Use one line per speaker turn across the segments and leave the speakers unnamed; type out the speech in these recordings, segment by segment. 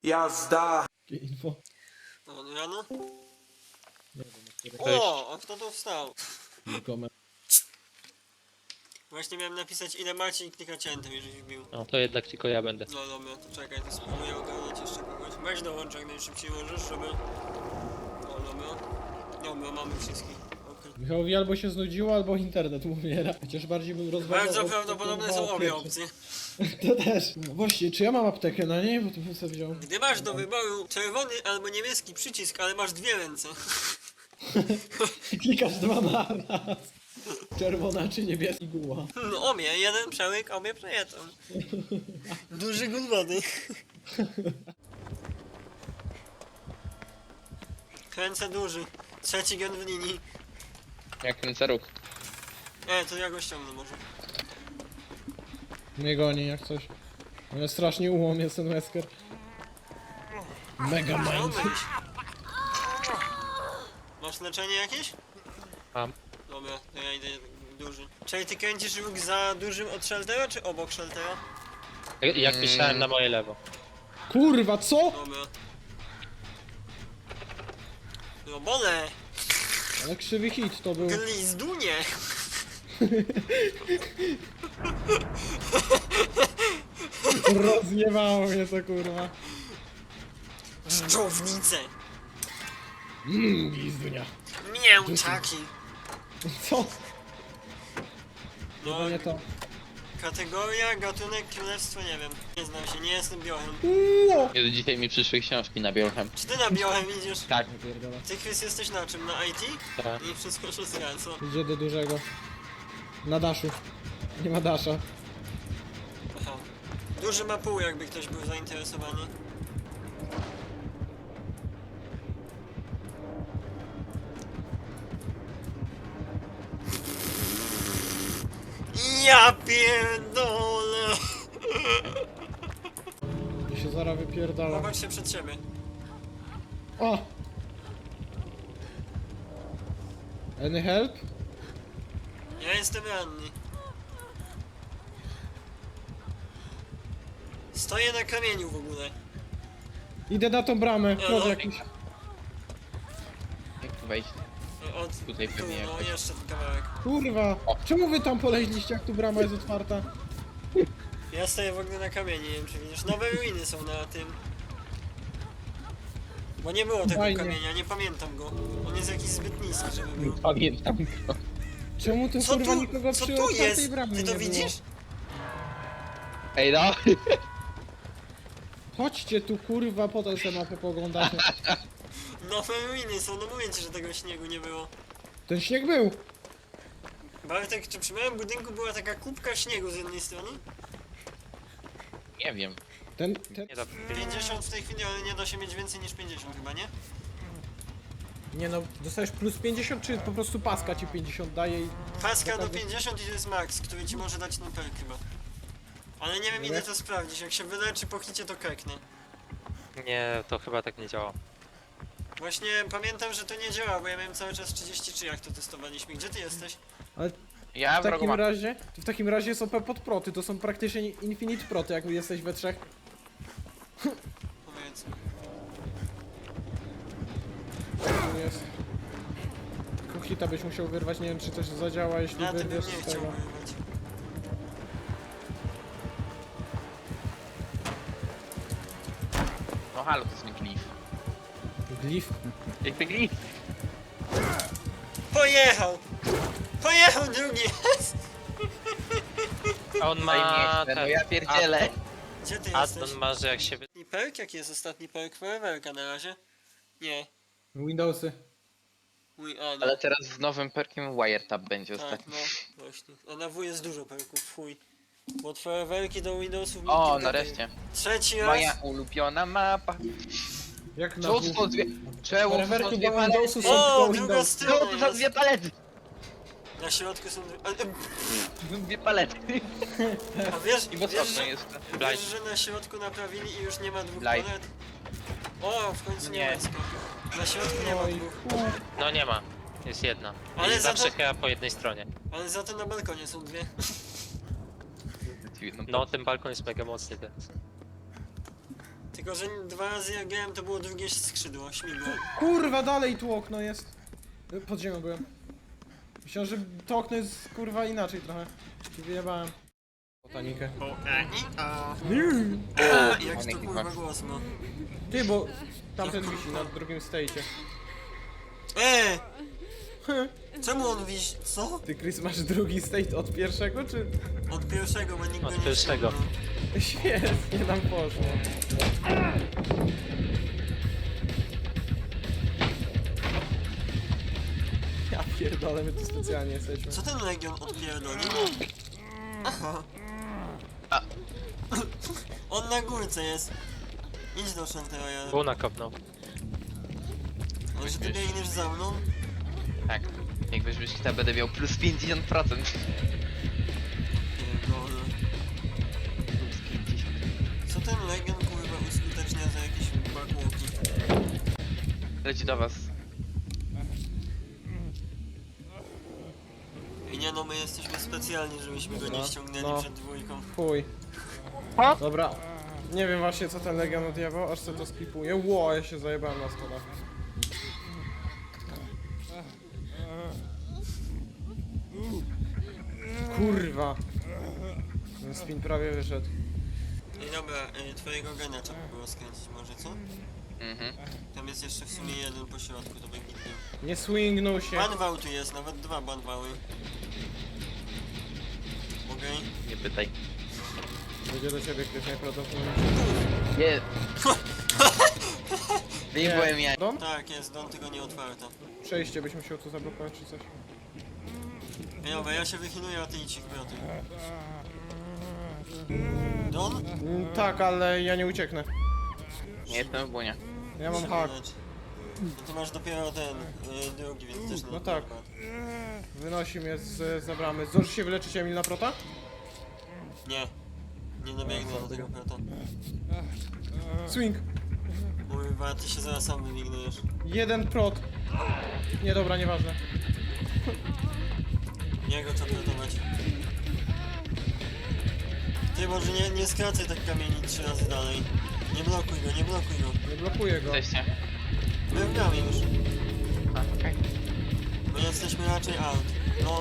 Jazda!
Jakie info?
No, rano?
Nie wiem, które
O, a kto tu wstał?
nikomu.
Właśnie miałem napisać ile macie i klikać enter, jeżeli wbił.
No to jednak tylko ja będę.
No dobra, to czekaj, to spróbuję ogarnąć jeszcze kogoś. Weź dołącz jak najszybciej możesz, żeby... O, dobra. Dobra, mamy wszystkich. Okej.
Michałowi albo się znudziło, albo internet umiera. Chociaż bardziej bym rozważał...
Bardzo
od-
prawdopodobne
kurwa,
są obie
pierwsze.
opcje.
To też. No właśnie, czy ja mam aptekę na niej? Bo to bym sobie wziął.
Gdy masz do wyboru czerwony albo niebieski przycisk, ale masz dwie ręce.
Klikasz dwa na raz. Czerwona czy niebieski guła.
No obie, jeden przełyk, obie przejeżdżą. Duży gul wody. Kręcę duży. Trzeci gen w linii.
Jak kręcę róg.
To ja go ściągnę może.
Nie goni jak coś. Ale strasznie ułom jest ten Wesker. Mega mind.
Chciałbyś. Masz leczenie jakieś?
Mam.
Dobra, to ja idę duży. Czyli ty kręcisz róg za dużym od sheltera, czy obok sheltera?
Jak pisałem na moje lewo.
Kurwa, co?
Dobra. Robole!
Ale krzywy hit to był.
Glizdunie!
Rozjebało mnie to kurwa.
Szczownice!
Gizdunia.
Mięczaki!
Co?
No,
To nie to.
kategoria, gatunek, królestwo, nie wiem. Nie znam się, nie jestem biochem.
No.
Jezu, dzisiaj mi przyszły książki na biochem.
Czy ty na biochem idziesz?
Tak.
Pierdolę.
Ty, Chris, jesteś na czym? Na IT?
Tak.
I wszystko szóstka, co?
Idzie do dużego. Na daszu. Nie ma dasza.
Aha. Duży ma pół, jakby ktoś był zainteresowany. Ja pierdolę!
I się zaraz wypierdala.
Popatrz się przed siebie.
O! Any help?
Ja jestem ranny. Stoję na kamieniu w ogóle.
Idę na tą bramę.
No,
Kod
no.
jakiś.
Jak tu wejść?
Od
Tutaj
tu,
pewnie
no
jakoś.
jeszcze ten kawałek.
Kurwa. Czemu wy tam poleźliście, jak tu brama jest otwarta?
Ja stoję w ogóle na kamieniu, nie wiem czy widzisz. Nowe ruiny są na tym. Bo nie było tego
Fajnie.
kamienia, nie pamiętam go. On jest jakiś zbyt niski, żeby był.
Pamiętam go.
Czemu tu
Co
kurwa
tu,
nikogo
co
przy
tu
otwartej
jest?
bramie
Ty to
nie było?
widzisz?
Ej no!
Chodźcie tu kurwa, potem sobie mapę poglądacie.
Nowe ruiny są, no mówię ci, że tego śniegu nie było.
Ten śnieg był.
Bartek, czy przy małym budynku była taka kubka śniegu z jednej strony?
Nie wiem.
Ten...
Nie da...
50 w tej chwili, ale nie da się mieć więcej niż 50 chyba, nie?
Nie no, dostajesz plus 50, czy po prostu paska ci 50 daje i...
Paska do 50 i to jest max, który ci może dać ten perk chyba. Ale nie wiem, idę to sprawdzić, jak się wyleczy po hicie to kreknę.
Nie, to chyba tak nie działa.
Właśnie pamiętam, że to nie działa, bo ja miałem cały czas 33 jak to testowaliśmy. Gdzie ty jesteś?
Ja
W
wrogo
takim
mam.
razie... W takim razie są podproty, to są praktycznie infinite proty, jak jesteś we trzech.
Powiedz.
Tu jest. Kuchita byś musiał wyrwać, nie wiem czy coś zadziała, jeśli
Na tym bym
wyrwiesz
nie
z
chciał
tego.
wyrywać.
No halo, to jest mi glif.
Glif?
Jakby glif.
Pojechał! Pojechał drugi!
A on
Ej,
ma
nie chcę, no ja pierdzielę.
Gdzie ty
Addon
jesteś?
ma, że jak się
Ostatni perk? Jaki jest ostatni perk? Foreverka na razie? Nie.
Windowsy.
Mój, a no.
Ale teraz z nowym perkiem Wiretap będzie
Tak,
ostatni.
no, właśnie. A na W jest dużo perków, chuj. Bo od Foreverki do Windowsów...
O,
kilka
nareszcie.
tych. Trzeci raz!
Moja ulubiona mapa.
Jak na
Co
dwóch-
to dwie... Czemu to
Foreverki
są
do
dwie palety?
Windowsu są
O,
tylko
druga
Windows.
strona
Co to za
jest.
dwie palety?
Na środku są...
Dwie palety.
A wiesz,
I w
wiesz,
osobno
że,
jest.
wiesz, że na środku naprawili i już nie ma dwóch
Blind.
palet? O, w końcu
Nie.
niemiecka. Na środku nie ma
Oj,
dwóch.
No nie ma. Jest jedna.
Ale
I
za
zawsze
to-
chyba po jednej stronie.
Ale za to na balkonie są dwie.
No ten balkon jest mega mocny teraz.
Tylko, że 2 razy jak grałem, to było drugie skrzydło, śmigło.
Kurwa, dalej tu okno jest. Pod ziemią byłem. Myślałem, że to okno jest kurwa inaczej trochę. I wyjebałem. Botanikę.
Jak to kurwa głos ma.
Ty, bo tamten wisi na drugim stage'ie.
Czemu on wisi? Co?
Ty, Chris, masz drugi stage od pierwszego, czy?
Od pierwszego, bo nikt
Od
go nie
pierwszego.
ściągnął.
Świetnie nam poszło. Ja pierdolę, my tu specjalnie jesteśmy.
Co ten Legion odpierdolił? Aha. On na górce jest. Idź do Shantaroya.
Buna kopnął.
Może ty biegniesz za mną?
Tak. Jak weźmiesz to będę miał plus 50%.
Pierdolę.
Plus 50.
Co ten Legion kurwa uskutecznia za jakieś backwalki?
Leci do was.
I nie no, my jesteśmy specjalni, żebyśmy go nie ściągnęli
no.
przed dwójką.
Chuj. Dobra. Nie wiem właśnie co ten Legion odjebał, aż sobie to skipuję. Ło, ja się zajebałem na stole. Kurwa. Ten spin prawie wyszedł.
I dobra, twojego gena trzeba było skręcić może, co?
Mhm.
Tam jest jeszcze w sumie jeden po środku, to będzie gitnie.
Nie swingnął się.
Banwał tu jest, nawet 2 banwały. Okej.
Nie pytaj.
Będzie do ciebie ktoś najprawdopodobniej.
Nie. Wyjebałem ja.
Dom?
Tak, jest, dom tylko nie otwarta.
Przejście byś musiał tu zablokować czy coś.
Ej, dobra, ja się wychyluję, a ty idź ich proty. Don?
Tak, ale ja nie ucieknę.
Nie jestem w bunie.
Ja mam hak.
No to masz dopiero ten, drugi, więc też nie.
No tak. Wynosi mnie z bramy. Zdążysz się wyleczyć, Emil, na prota?
Nie. Nie dobiegnę do tego prota.
Swing.
Kurwa, ty się zaraz sam wybignujesz.
Jeden prot. Nie, dobra, nieważne.
Nie go trzeba protować. Ty może nie skracaj tak kamieni 3 razy dalej. Nie blokuj go, nie blokuj go.
Nie blokuję go.
Jesteście?
My gramy już.
A, okej.
My jesteśmy raczej out. No,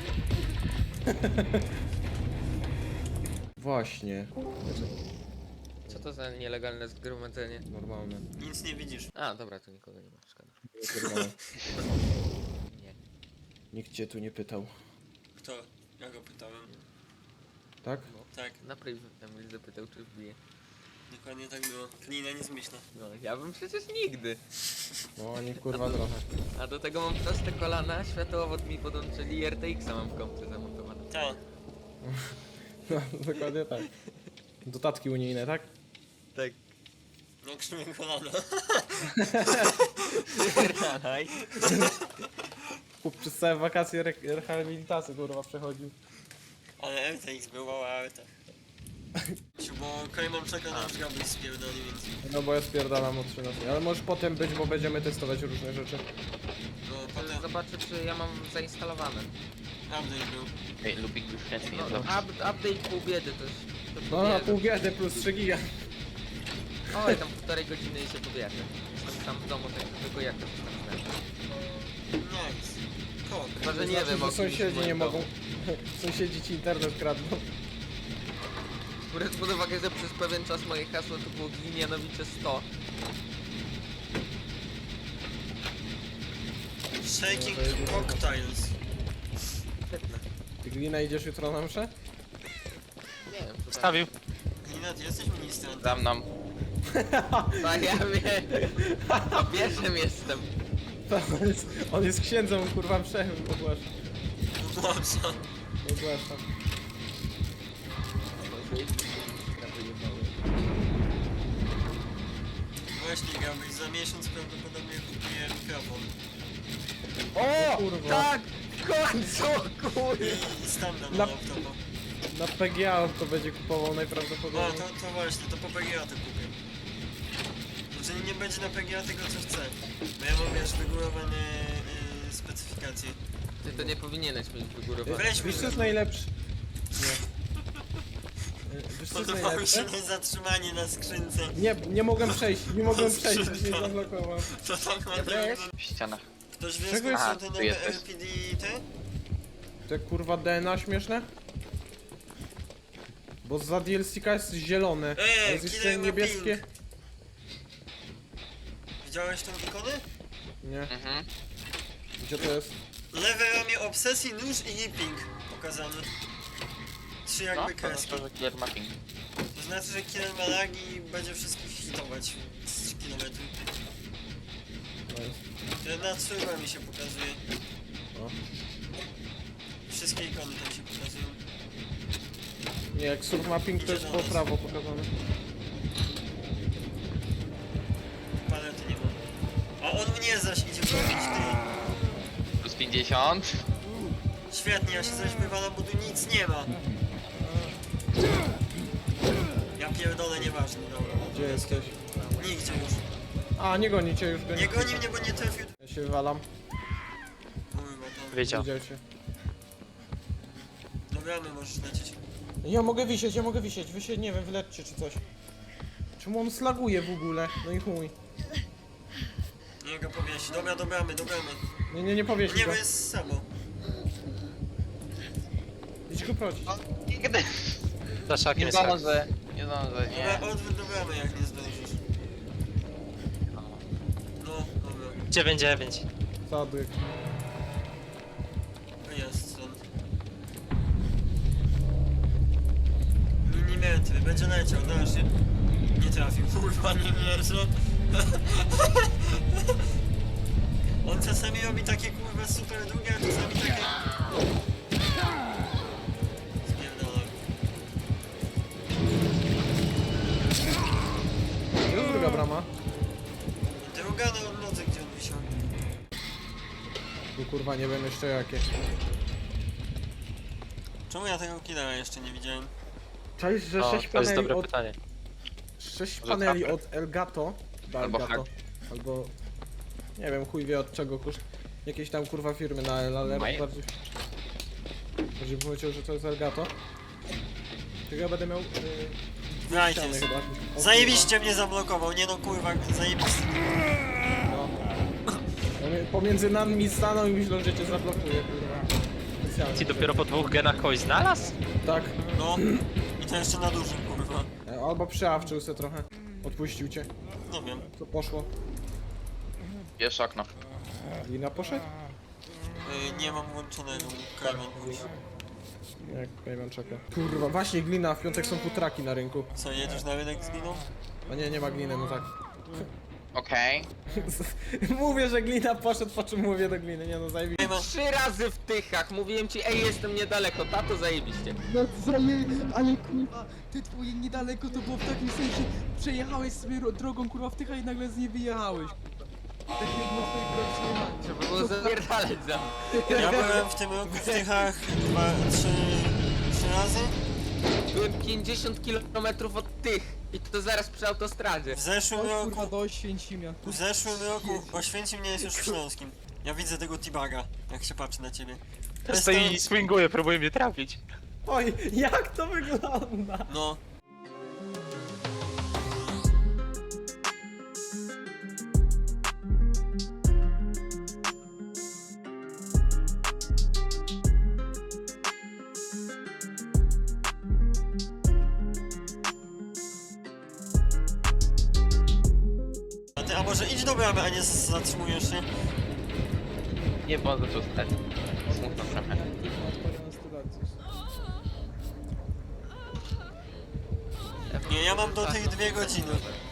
Właśnie.
Co to za nielegalne zgromadzenie?
Normalne.
nic nie widzisz.
A, dobra, tu nikogo nie ma, szkoda. Nie.
Nikt cię tu nie pytał.
Kto? Ja go pytałem.
Tak?
Tak,
Napryw Emil zapytał, czy wbije.
dokładnie tak było. Klina nie zmyśla.
No, ja bym przecież nigdy.
No, oni kurwa trochę.
A do tego mam proste kolana, światłowód mi podłączyli i RTX-a mam w kompie zamontowane.
Tak.
No, dokładnie tak. Dodatki unijne, tak?
Tak.
No krzymy kolana.
Ranaj.
Kup przez całe wakacje rehabilitację kurwa przechodził.
Ale RTX był mała arta. Bo Kajman czeka na aż Gabriel spierdoli, więc...
No bo ja spierdalam o 13. Ale możesz potem być, bo będziemy testować różne rzeczy.
No potem
Zobaczę, czy ja mam zainstalowane.
update był.
Ej, Lubik już chętnie
No,
jest dobrze.
update pół biedy to jest. To
No na
pobierze.
pół biedy plus 3 giga.
Oj, tam 1,5 godziny i się pobierze. Jestem tam w domu, tak tylko jakoś tam znajdę.
Nice. Kok.
Chyba, że
To
nie
znaczy,
wiem,
że
o kimś w
sąsiedzi
moim
nie
domu.
mogą. Sąsiedzi ci internet kradną.
Biorąc pod uwagę, że przez pewien czas moje hasło to było Glinianowicze 100.
Shaking cocktails.
Świetne.
Ty Glina idziesz jutro na mszę?
Nie wiem, co tam.
Stawił.
Glina, ty jesteś ministrem.
Za mną.
Tak, ja wiem. Pierwszym jestem.
On jest księdzem, kurwa mszę ogłasza.
Dobrze.
Ogłaszam.
Właśnie Gabriel, za miesiąc prawdopodobnie kupuję mikrofon.
O!
kurwa.
Tak! W końcu! Kurde!
I standard
Na-
na laptopa.
Na PGA to będzie kupował
O,
najprawdopodobniej.
to właśnie, to po PGA to kupię. Znaczy nie będzie na PGA tego co chcę. Bo ja mam wiesz wygórowane specyfikacje.
Ty to nie powinieneś mieć wygórowane.
Weź mi
Wiesz co jest najlepszy? Nie. Wiesz co jest
Podobało mi się
najlepsze?
niezatrzymanie na skrzynce.
Nie mogłem przejść, nie mogłem przejść, nie
Skrzynka.
zablokował.
To tak ładnie
Dobra, jest?
wygląda.
W ścianach.
Ktoś wie,
Czego
skąd
jest-
są
A,
te
tu
nowe
jesteś.
LPD te?
Te kurwa DNA śmieszne? Bo za DLC-ka jest zielone, a jest jeszcze
Killer ma
niebieskie.
ping. Widziałeś tą ikonę?
Nie,
Mhm.
gdzie to jest?
Lewe ramię obsesji, nóż i nipping pokazany. Trzy
No,
jakby
to
kreski.
znaczy, że killer mapping.
To znaczy, że killer ma lagi i będzie wszystkich hitować z 3 km. Na trójma mi się pokazuje.
O.
Wszystkie ikony tam się pokazują.
Nie, jak surf mapping to jest po prawo pokazane.
Palety nie ma. A on mnie zaś idzie robić, ty.
Plus 50.
Świetnie, ja się zaś wywalam, bo tu nic nie ma. Ja pierdolę, nieważne, dobra.
Gdzie jesteś?
Nigdzie już.
A, nie goni cię już,
Nie goni mnie, bo nie trafił.
Ja się wywalam,
Kurwa, to...
Wiedział.
widział cię.
Dobra, my możesz lecieć.
Ja mogę wisieć, wy się, nie wiem, wylećcie czy coś. Czemu on slaguje w ogóle? No i chuj.
Nie go powiesi. Dobra, dobramy.
Nie powieś
Nie,
go.
bo jest samo.
Idź go prosić.
Nigdy.
Za szakiem
Nie
jest tak.
zdążę. Nie zdążę, nie.
Dobra, odwrót do bramy, jak nie zdążysz. No, dobra.
9-9.
Zadyk.
Jest stąd. Milimetry, będzie leciał, dasz się. Nie trafił, kurwa, nie wierzę. On czasami robi takie kurwa super długie, a czasami takie... Spierdolę.
Gdzie jest druga brama?
Druga na odnodze, gdzie on wisiał.
Tu kurwa nie wiem jeszcze jakie.
Czemu ja tego killera jeszcze nie widziałem?
Czaisz, że
No,
6
to jest
paneli
dobre
od...
pytanie.
6
Może
paneli
trafę?
od Elgato. Do
Albo
Elgato.
hack.
Albo... Nie wiem, chuj wie od czego koszt. Jakieś tam kurwa firmy na L, ale
Maj-
bardziej... Bardziej bym powiedział, że to jest Elgato. Tylko ja będę miał...
Right
ściany
jest.
chyba. O,
Zajebiście mnie zablokował, nie no kurwa, zajebiście.
kurwa, no. Pomiędzy nami stanął i myślą, że cię zablokuje, kurwa. Specjalnie.
Ci dopiero po 2 genach kogoś znalazł?
Tak.
No. I to jeszcze na dużym kurwa.
Albo przyawczył se trochę. Odpuścił cię.
Nie wiem.
To poszło.
Jest okno.
Lina poszedł?
Nie mam włączonego, Kajman musi.
Jak Kajman czeka. Kurwa, właśnie glina, w piątek są futraki na rynku.
Co, jedziesz na rynek z gliną?
A nie ma gliny, no tak.
Okej.
Mówię, że glina poszedł, po czym mówię do gliny, nie no zajebi.
Kajman,
3 razy w tychach, mówiłem ci, ej, jestem niedaleko, tato zajebiście.
No ale kurwa, ty twoje niedaleko to było w takim sensie, przejechałeś sobie drogą kurwa w tycha i nagle z niej wyjechałeś. Tak jak na twojej prawdziwej
Trzeba było zapierdalać za mną.
ja byłem w tym roku w Tychach 3 razy.
Byłem 50 km od tych i to zaraz przy autostradzie.
W zeszłym
Chodź kurwa
roku,
do Oświęcimia.
w zeszłym roku Oświęcim nie jest już w Śląskim. Ja widzę tego T-Baga, jak się patrzy na ciebie.
Stoi i swinguje, próbuje mnie trafić.
Oj, jak to wygląda?
No. A może idź do bramy, a nie zatrzymujesz się?
Nie, bo on zaczął stać. Smutno trochę.
Nie, ja mam do tych 2 godziny.